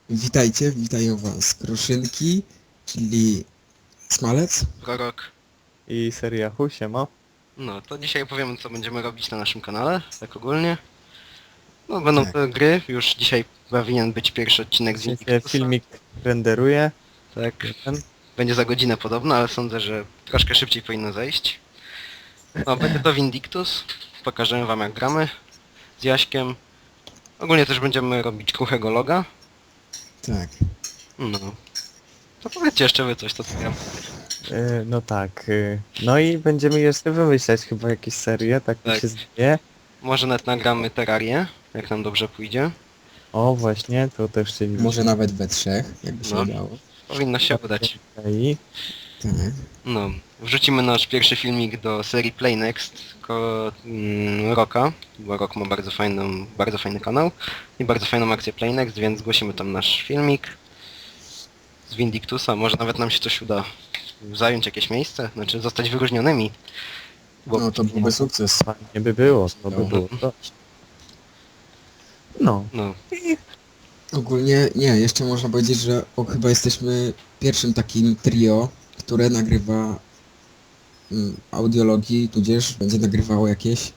Witajcie, witają was Kruszynki, czyli Smalec. Prorok. I seria Siema. No, to dzisiaj opowiemy, co będziemy robić na naszym kanale, tak ogólnie. No, będą Tak. to gry, już dzisiaj powinien być pierwszy odcinek z Dzisiaj Invictusa. filmik renderuje. Tak, Jeden. będzie za godzinę podobno, ale sądzę, że troszkę szybciej powinno zejść. No, będzie to Vindictus, pokażemy wam jak gramy z Jaśkiem. Ogólnie też będziemy robić kruchego loga. Tak. No. To powiedzcie jeszcze wy coś, to co ja No tak. No i będziemy jeszcze wymyślać chyba jakieś serie, tak mi Tak. się zdaje. Może nawet nagramy Terrarię, jak nam dobrze pójdzie. O właśnie, to też chcieliśmy. Może nawet we trzech, jakby się No. udało. Powinno się udać. I Tak. No, wrzucimy nasz pierwszy filmik do serii Play Next Roka, bo Rok ma bardzo fajny kanał i bardzo fajną akcję Play Next, więc zgłosimy tam nasz filmik z Vindictusa. Może nawet nam się coś uda zająć jakieś miejsce, znaczy zostać wyróżnionymi. Bo No to byłby sukces. fajnie by było, to by No. było to. No. no, Ogólnie, nie, jeszcze można powiedzieć, że chyba jesteśmy pierwszym takim trio, które nagrywa audiologii, tudzież będzie nagrywało jakieś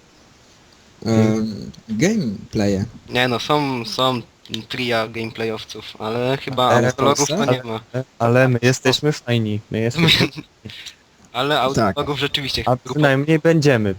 gameplaye. nie no, są tria gameplayowców, ale chyba Ale autologów to Polsce? nie ma. Ale my jesteśmy fajni. My jesteśmy... Ale autologów rzeczywiście A grupa, przynajmniej będziemy,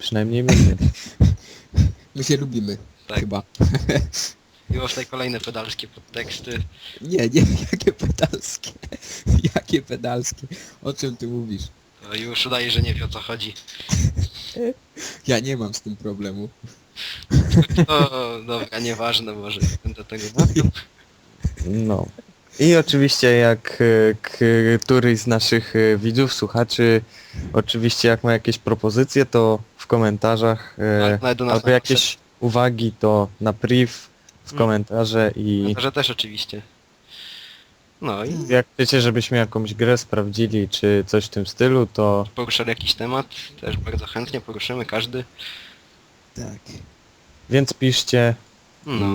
My się lubimy, tak. chyba. I już tutaj kolejne pedalskie podteksty. Nie, jakie pedalskie. Jakie pedalskie. O czym ty mówisz? To już udaje, że nie wie o co chodzi. Ja nie mam z tym problemu. O, dobra, nieważne, może nie będę tego mówił. No. I oczywiście jak któryś z naszych widzów, słuchaczy, oczywiście jak ma jakieś propozycje, to w komentarzach Tak, nawet do nas albo jakieś uwagi, to na priv w komentarze i Że też oczywiście. No i jak chcecie, żebyśmy jakąś grę sprawdzili, czy coś w tym stylu, to poruszali jakiś temat, też bardzo chętnie poruszymy każdy. Tak. więc piszcie. No.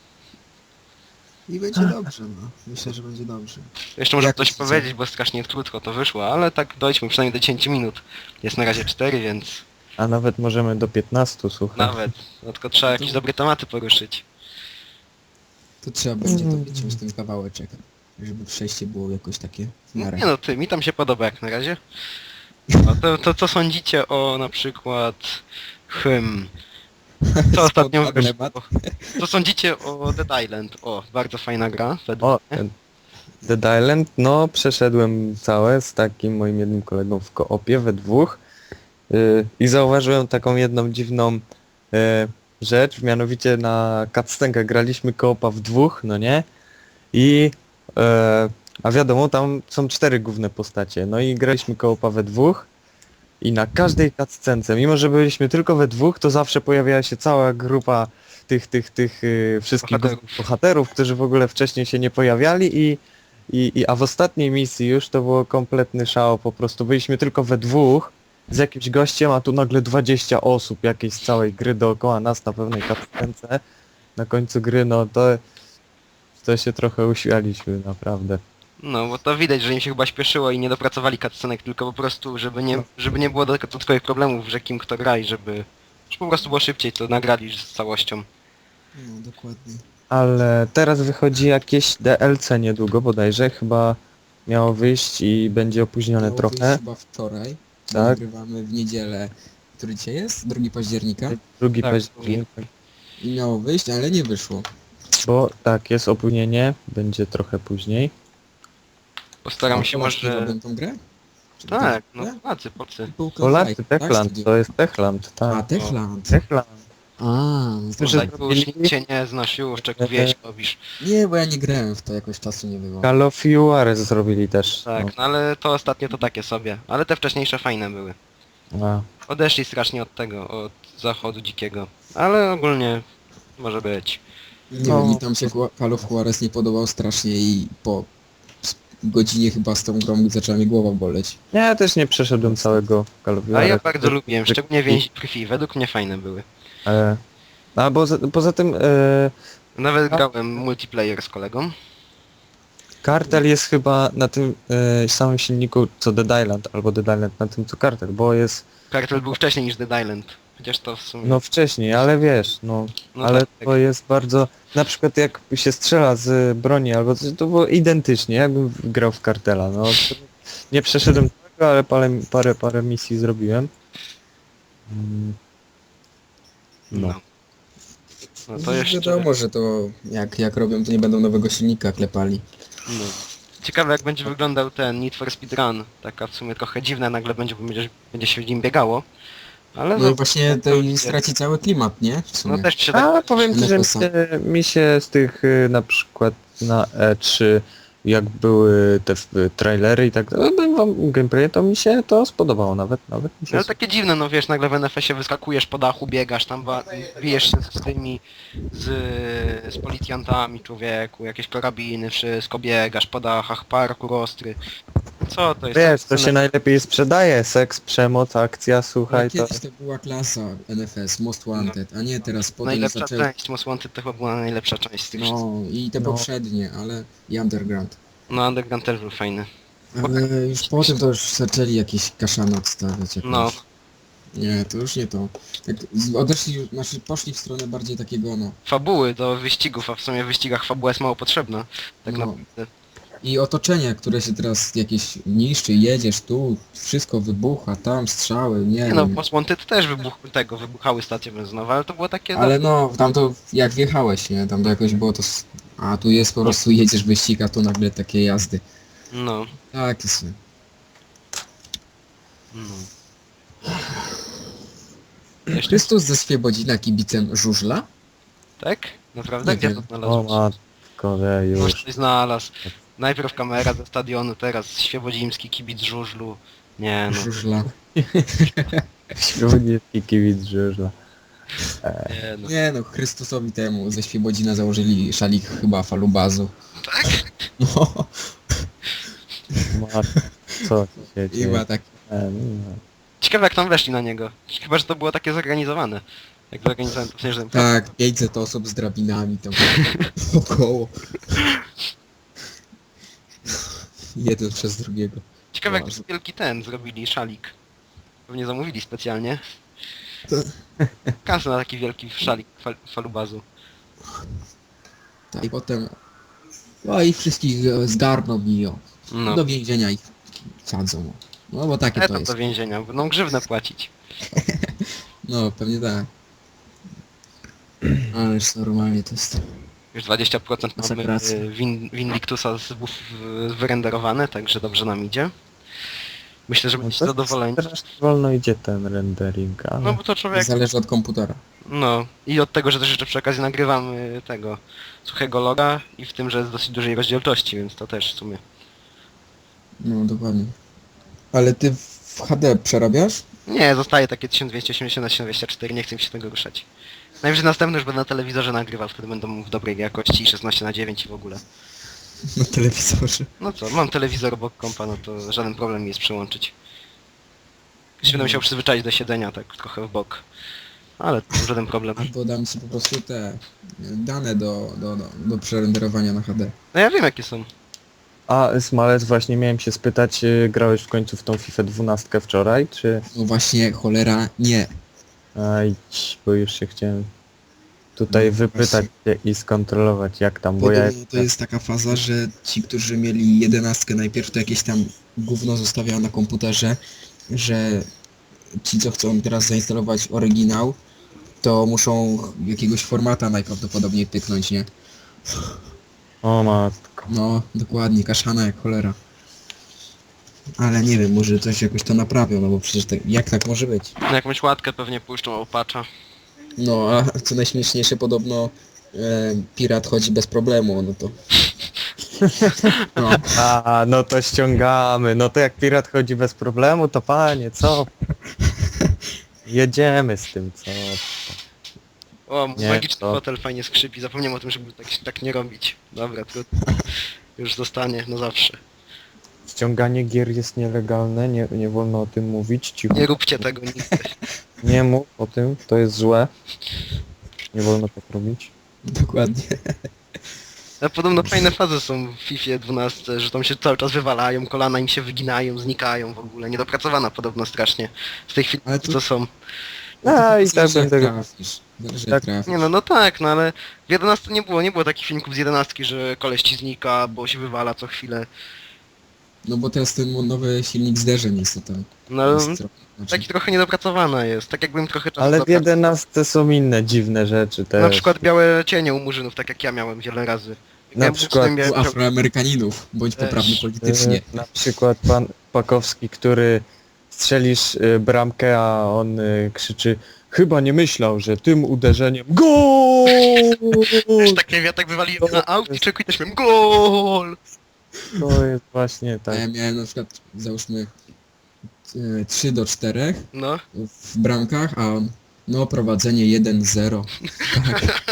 I będzie dobrze, no. Myślę, że będzie dobrze. Jeszcze może Jak coś myślicie? powiedzieć, bo strasznie krótko to wyszło, ale tak dojdźmy przynajmniej do 10 minut. Jest na razie 4, więc A nawet możemy do 15, słuchaj. nawet. No tylko trzeba jakieś dobre tematy poruszyć. To trzeba będzie to wyciąć ten kawałeczek, żeby przejście było jakoś takie w No, miarę. nie no ty, mi tam się podoba jak na razie. No, to co sądzicie o na przykład co ostatnio Spodobny wyszło? Co sądzicie o Dead Island? O, bardzo fajna gra, według O, mnie. Dead Island, no przeszedłem całe z takim moim jednym kolegą w koopie we dwóch i zauważyłem taką jedną dziwną rzecz, mianowicie na cutscenkę graliśmy koopa w dwóch, no nie? I a wiadomo, tam są 4 główne postacie, no i graliśmy koopa we dwóch i na każdej cutscence, mimo że byliśmy tylko we dwóch, to zawsze pojawiała się cała grupa tych wszystkich bohaterów, którzy w ogóle wcześniej się nie pojawiali a w ostatniej misji już to było kompletny szał, po prostu byliśmy tylko we dwóch z jakimś gościem, a tu nagle 20 osób jakiejś z całej gry dookoła nas na pewnej cutscence. Na końcu gry, no to się trochę uśmialiśmy, naprawdę. No, bo to widać, że im się chyba śpieszyło i nie dopracowali cutscenek, tylko po prostu, żeby nie było dodatkowych problemów, że kim kto gra i żeby po prostu było szybciej, to nagrali z całością. No, dokładnie. Ale teraz wychodzi jakieś DLC niedługo bodajże, chyba miało wyjść i będzie opóźnione Miało trochę. wyjść chyba wczoraj. Tak. Nagrywamy w niedzielę, który dzisiaj jest? 2 października. 2 Tak, października. I miało wyjść, ale nie wyszło. Bo tak, jest opóźnienie, będzie trochę później. Postaram A się Polacy może... robią tą grę? Czy Tak, to- no Polacy, Polscy. Polacy, tak? Techland, Studio. to jest Techland, A, tak. Techland. Techland. A, no to... Że Tak, już nikt cię nie znasz już, czego wieś robisz. Nie, bo ja nie grałem w to, jakoś czasu nie było. Call of Juarez zrobili też. Tak, no ale to ostatnio to takie sobie. Ale te wcześniejsze fajne były. No. Odeszli strasznie od tego, od zachodu dzikiego. Ale ogólnie może być. Nie No. wiem, mi tam się Call of Juarez nie podobał strasznie i po godzinie chyba z tą grą zaczęła mi głowa boleć. Ja też nie przeszedłem całego Call of A Juarez. ja bardzo lubiłem, szczególnie więzi krwi. Według mnie fajne były. A poza tym Nawet grałem multiplayer z kolegą. Kartel jest chyba na tym samym silniku co Dead Island, albo Dead Island na tym co Kartel, bo jest Kartel był wcześniej niż Dead Island. Chociaż to w sumie... no wcześniej, ale wiesz, No ale tak. to jest bardzo, na przykład jak się strzela z broni albo coś, to było identycznie, jakbym grał w Kartela, no to nie przeszedłem tego, ale parę misji zrobiłem. Mm. No. No to jeszcze... Wiadomo, że to jak robią, to nie będą nowego silnika klepali. No. Ciekawe jak będzie wyglądał ten Need for Speed Run. Taka w sumie trochę dziwna nagle będzie, bo będzie się w nim biegało. Ale No i właśnie to idzie. straci cały klimat, nie? W sumie. No też się tak... A powiem ci, że NFS-a. mi się z tych na przykład na E3 jak były te trailery i tak dalej, gameplay, to mi się to spodobało nawet mi się Ale takie dziwne, no wiesz, nagle w NFS-ie wyskakujesz po dachu, biegasz tam, bijesz się z tymi, z policjantami, człowieku, jakieś karabiny, wszystko, biegasz po dachach, parkour ostry. Co to jest? Wiesz, to się najlepiej sprzedaje, seks, przemoc, akcja, Ale słuchaj, to... kiedyś to była klasa NFS, Most Wanted, a nie teraz potem Najlepsza zaczęli... część, Most Wanted to chyba była najlepsza część z tych wszystkich. No i te No. poprzednie, ale i Underground. No Underground też był fajny. Ale już potem to już zaczęli jakieś kaszany odstawiać. Jakieś. No, Nie, to już nie to. Tak odeszli, znaczy poszli w stronę bardziej takiego, no. fabuły do wyścigów, a w sumie w wyścigach fabuła jest mało potrzebna. Tak No. naprawdę. I otoczenie, które się teraz jakieś niszczy, jedziesz tu, wszystko wybucha, tam strzały, nie Nie no, wiem. Most Wanted też wybuchały stacje benzynowe, ale to było takie... Ale no, tam to jak wjechałeś, nie? Tam to jakoś było to... A tu jest po prostu jedziesz wyścig, a tu nagle takie jazdy. No, Tak jest. no. Jeszcze, Chrystus ze Świebodzina kibicem żużla? tak? Naprawdę? Nie Gdzie wiem. to O znalazłeś? matko, Może już. ktoś znalazł. Najpierw kamera ze stadionu, teraz Świebodzimski, kibic żużlu. Nie no, Żużla. Śródniewski kibic żużla. nie no. Nie no, Chrystusowi temu ze Świebodzina założyli szalik chyba falubazu. Tak? No, Matko, co się i dzieje? ma tak... No. Ciekawe jak tam weszli na niego. Chyba, że to było takie zorganizowane. Jak zorganizowałem to w sensie, że... Tak, 500 osób z drabinami tam około. Jeden przez drugiego. Ciekawe jak Boże. wielki ten zrobili, szalik. Pewnie zamówili specjalnie. To- Kasę na taki wielki szalik falubazu. Tak, i potem... No i wszystkich zgarną i o, No. do więzienia ich sadzą. No bo takie to Etap jest. do więzienia, będą grzywnę płacić. No, pewnie tak. Ależ normalnie to jest... Już 20% mamy Konsekracja. Windictusa wyrenderowane, także dobrze nam idzie. Myślę, że No będziecie to zadowoleni. strasznie wolno idzie ten rendering, ale... No bo to człowiek... Zależy od komputera. No i od tego, że też jeszcze przy okazji nagrywamy tego suchego loga i w tym, że jest dosyć dużej rozdzielczości, więc to też w sumie. No, dokładnie. Ale ty w HD przerabiasz? Nie, zostaje takie 1280 na 1204, nie chcę mi się tego ruszać. Najwyżej następny już będę na telewizorze nagrywał, wtedy będą w dobrej jakości 16:9 i w ogóle. Na telewizorze. No co, mam telewizor obok kompa, no to żaden problem mi jest przyłączyć. Jeszcze będę musiał przyzwyczaić do siedzenia tak trochę w bok. Ale to żaden problem. Albo dam ci po prostu te dane do przerenderowania na HD. No ja wiem jakie są. A Smalec, właśnie miałem się spytać, grałeś w końcu w tą FIFA 12 wczoraj, czy... No właśnie, cholera, nie. Aj, bo już się chciałem tutaj No wypytać się i skontrolować jak tam, bo ja... Podobno to jest taka faza, że ci, którzy mieli 11 najpierw, to jakieś tam gówno zostawiają na komputerze, że ci, co chcą teraz zainstalować oryginał, to muszą jakiegoś formata najprawdopodobniej pyknąć, nie? O matko. No, dokładnie, kaszana jak cholera. Ale nie wiem, może coś jakoś to naprawią, no bo przecież tak, jak tak może być? Na jakąś łatkę pewnie puszczą opacza. No, a co najśmieszniejsze, podobno pirat chodzi bez problemu, no to... No, A, no to ściągamy, no to jak pirat chodzi bez problemu, to panie, co? Jedziemy z tym, co? O, mój Nie, magiczny to- fotel fajnie skrzypi, zapomniałem o tym, żeby tak nie robić. Dobra, trudno. Już zostanie na zawsze. Ściąganie gier jest nielegalne, nie wolno o tym mówić, cicho. Nie róbcie tego nigdy. Nie mów o tym, to jest złe. Nie wolno tak robić. dokładnie. A podobno fajne fazy są w FIFA 12, że tam się cały czas wywalają, kolana im się wyginają, znikają w ogóle. Niedopracowana podobno strasznie. Z tych Ale filmów co są. A i Zależy, tak jak będę... trafisz. Zależy, Tak. jak trafisz. Nie no tak, no ale w 11 nie było takich filmików z 11, że koleś ci znika, bo się wywala co chwilę. No bo teraz ten nowy silnik zderzeń jest to tam. No Jest trochę, znaczy, taki trochę niedopracowana jest, tak jakbym trochę czasu Ale w zabrał. 11 są inne dziwne rzeczy też. Na przykład białe cienie u murzynów, tak jak ja miałem wiele razy. Jak Na miałem przykład uczniów, miałem u Afroamerykaninów, bądź poprawny Też. politycznie. Na przykład pan Pakowski, który strzelisz bramkę, a on krzyczy: chyba nie myślał, że tym uderzeniem GOL! Też tak nie wiem, ja tak wywaliłem na aut i czekuj też miałem GOL! To jest właśnie A tak. ja miałem na przykład, załóżmy, 3-4 No. w bramkach, a on, no prowadzenie 1-0. Tak.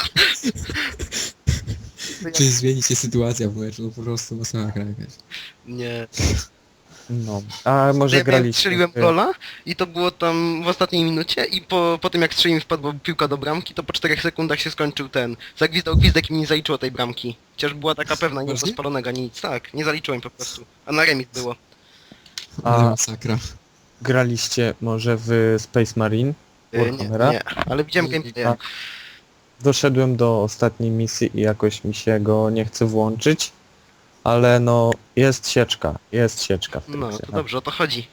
Czy zmieni się sytuacja w meczu? No po prostu masakra jakaś. Nie. No. A może Ja graliście? strzeliłem gola i to było tam w ostatniej minucie i po tym jak strzeliłem wpadła piłka do bramki, to po 4 sekundach się skończył ten. Zagwizdał gwizdek i mi nie zaliczyło tej bramki. Chociaż była taka pewna, nie było Poważnie? spalonego ani nic. Tak, nie zaliczyłem po prostu. A na remis było. Ale A masakra. graliście może w Space Marine? Nie, Warhammera? nie, ale widziałem gameplay. A doszedłem do ostatniej misji i jakoś mi się go nie chce włączyć, ale no jest sieczka w tej No, grze. to dobrze, o to chodzi.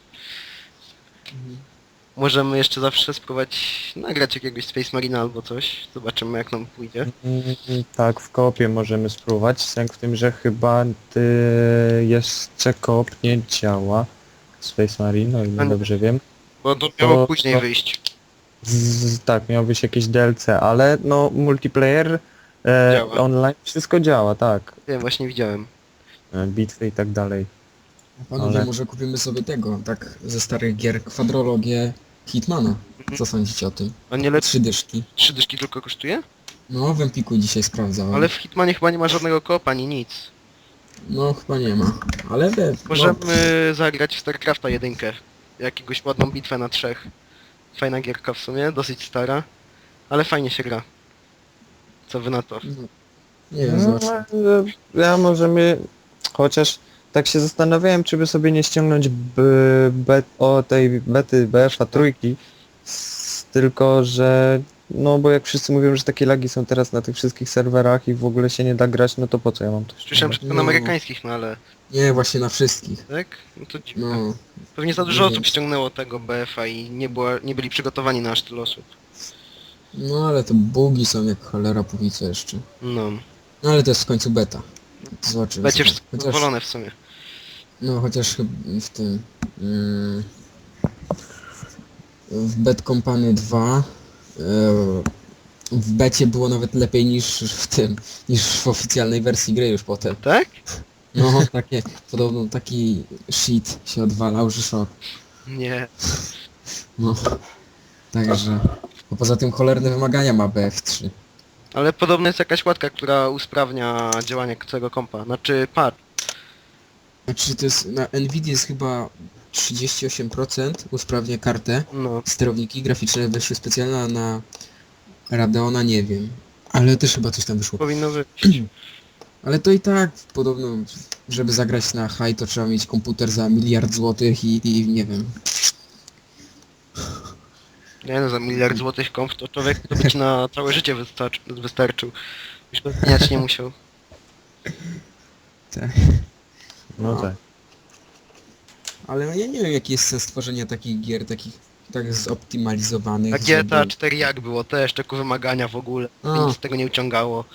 Możemy jeszcze zawsze spróbować nagrać jakiegoś Space Marina albo coś. Zobaczymy jak nam pójdzie. Tak, w koopie możemy spróbować, sęk w tym, że chyba jeszcze koop nie działa w Space Marine, o ile A nie. dobrze wiem. Bo to miało To- później to- wyjść. Tak, miał być jakieś DLC, ale no multiplayer, Działa. online, wszystko działa, tak. Wiem, właśnie widziałem. Bitwy i tak dalej. Panowie, Ale- może kupimy sobie tego, tak ze starych gier, kwadrologię Hitmana. Co sądzicie o tym? A nie lecz 3 dyszki. 3 dyszki tylko kosztuje? No, w Empiku dzisiaj sprawdzałem. Ale w Hitmanie chyba nie ma żadnego koopa ani nic. No, chyba nie ma. Ale Możemy zagrać w StarCrafta 1. Jakiegoś ładną bitwę na 3. Fajna gierka w sumie, dosyć stara. Ale fajnie się gra. Co wy na to? No, nie wiem, No, zobacz. ja możemy, chociaż tak się zastanawiałem, czy by sobie nie ściągnąć tej bety BF-a trójki, tylko że no bo jak wszyscy mówią, że takie lagi są teraz na tych wszystkich serwerach i w ogóle się nie da grać, no to po co ja mam to Słyszałem, ściągać? że tylko No. na amerykańskich, no ale... Nie, właśnie na wszystkich. Tak? No to dziwne. No, Pewnie za dużo nie osób wiem. ściągnęło tego BF-a i nie byli przygotowani na aż tyle osób. no ale to bugi są jak cholera póki co jeszcze. No. No ale to jest w końcu beta. Zobaczymy. Będzie sobie. wszystko zadowolone w sumie. No chociaż w tym... w Bad Company 2 w becie było nawet lepiej niż w tym, niż w oficjalnej wersji gry już potem. Tak? No takie, podobno taki shit się odwalał, że szok. Nie. No. Także... Bo poza tym cholerne wymagania ma BF3. Ale podobno jest jakaś łatka, która usprawnia działanie całego kompa. Znaczy pad. Znaczy to jest, na Nvidia jest chyba 38% usprawnia kartę. No. Sterowniki graficzne wersje specjalne, a na Radeona nie wiem. Ale też chyba coś tam wyszło. Powinno wyjść. Ale to i tak podobno, żeby zagrać na high to trzeba mieć komputer za 1 miliard złotych i nie wiem. Nie no, za 1 miliard złotych komp to człowiek to by ci na całe życie wystarczył. Już go zmieniać nie musiał. Tak. No tak. Ale ja nie wiem jaki jest sens tworzenia takich gier, takich tak zoptymalizowanych. A GTA 4 jak było też, tylko wymagania w ogóle. A. Nic z tego nie uciągało.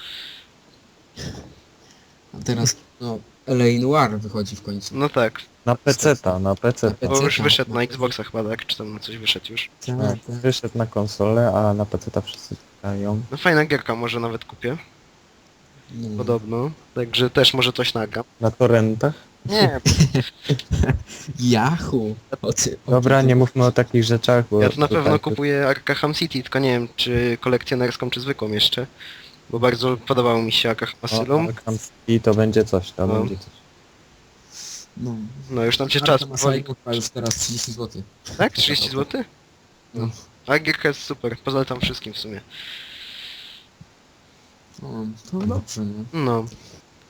A teraz no LA Noir wychodzi w końcu. No tak. Na PC-ta, na PC. Na Bo już PC-ta. wyszedł na Xboxa chyba, tak? Czy tam na coś wyszedł już. Tak, tak. Wyszedł na konsolę, a na PC-ta wszyscy grają. No fajna gierka, może nawet kupię. No. Podobno. Także też może coś nagram. Na torrentach. Nie, Yahoo! Dobra, nie mówmy o takich rzeczach, bo... ja to na pewno tak- kupuję Arkham City, tylko nie wiem czy kolekcjonerską, czy zwykłą jeszcze. Bo bardzo podobało mi się Arkham Asylum. Arkham City to będzie coś, to No. będzie coś. No. No już nam się czas Arkham powoli... Asylum ma już teraz 30 zł. Tak? 30 zł? No. A gierka jest super, polecam wszystkim w sumie. No, to dobrze, no. No.